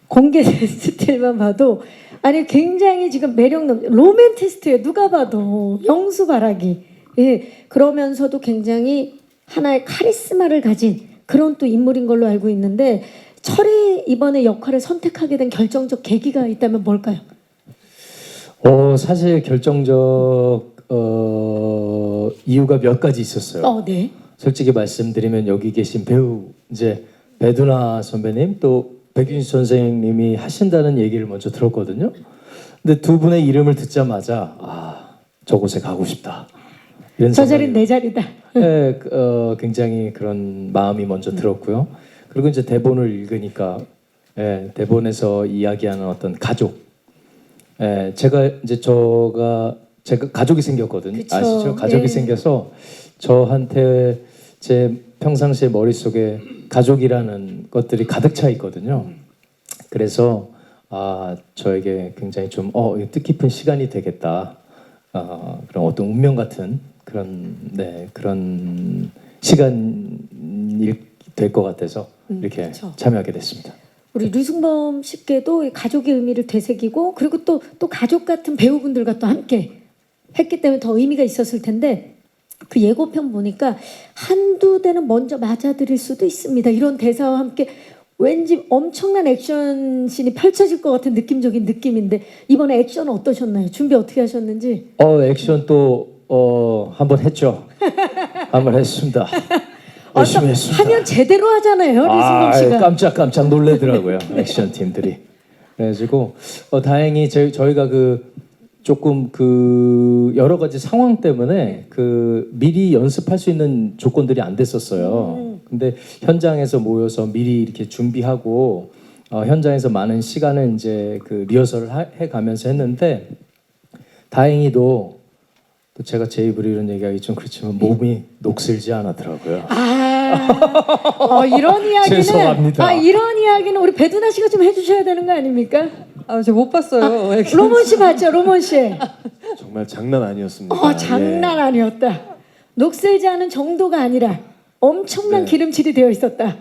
공개 스틸만 봐도 아니 굉장히 지금 매력 로맨티스트예요. 누가 봐도 영수바라기. 예, 그러면서도 굉장히 하나의 카리스마를 가진 그런 또 인물인 걸로 알고 있는데 철이 이번에 역할을 선택하게 된 결정적 계기가 있다면 뭘까요? 사실 결정적 이유가 몇 가지 있었어요. 네. 솔직히 말씀드리면 여기 계신 배우 이제 배두나 선배님 또 백윤식 선생님이 하신다는 얘기를 먼저 들었거든요. 근데 두 분의 이름을 듣자마자 저곳에 가고 싶다. 이런 저 자리는 내 자리다. 네, 굉장히 그런 마음이 먼저 들었고요. 그리고 이제 대본을 읽으니까 대본에서 이야기하는 어떤 가족. 제가 가족이 생겼거든요. 그쵸. 아시죠? 가족이 생겨서 저한테 제 평상시에 머릿속에 가족이라는 것들이 가득 차 있거든요. 그래서 저에게 굉장히 좀 뜻깊은 시간이 되겠다. 그런 어떤 운명 같은 그런 시간이 될 것 같아서 이렇게 그쵸. 참여하게 됐습니다. 우리 류승범 씨께도 이 가족의 의미를 되새기고 그리고 또 가족 같은 배우분들과 또 함께 했기 때문에 더 의미가 있었을 텐데 그 예고편 보니까 한두 대는 먼저 맞아들일 수도 있습니다. 이런 대사와 함께 왠지 엄청난 액션씬이 펼쳐질 것 같은 느낌적인 느낌인데 이번에 액션 어떠셨나요? 준비 어떻게 하셨는지? 액션 또 한번 했죠. 한번 했습니다. 열심히 했습니다. 하면 제대로 하잖아요, 류승범 씨가. 깜짝 놀래더라고요. 액션 팀들이. 그래가지고 다행히 저희가 조금 여러 가지 상황 때문에 미리 연습할 수 있는 조건들이 안 됐었어요. 근데 현장에서 모여서 미리 이렇게 준비하고 현장에서 많은 시간을 이제 리허설을 해가면서 했는데 다행히도 또 제가 제 입으로 이런 얘기하기 좀 그렇지만 몸이 녹슬지 않았더라고요. 이런 이야기는 죄송합니다. 이런 이야기는 우리 배두나 씨가 좀 해주셔야 되는 거 아닙니까? 저 못 봤어요. 로몬 씨 봤죠, 로몬 씨. 정말 장난 아니었습니다. 장난 아니었다. 녹슬지 않은 정도가 아니라 엄청난 기름칠이 되어 있었다.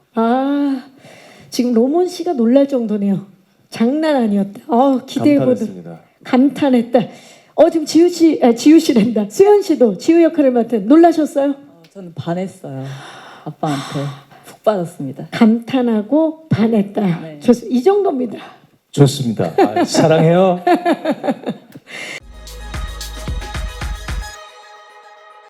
지금 로몬 씨가 놀랄 정도네요. 장난 아니었다. 기대해보던. 감탄했습니다. 감탄했다. 지금 지우 씨란다. 수현 씨도 지우 역할을 맡은 놀라셨어요? 저는 반했어요. 아빠한테 푹 빠졌습니다. 감탄하고 반했다. 네. 이 정도입니다. 좋습니다. 사랑해요.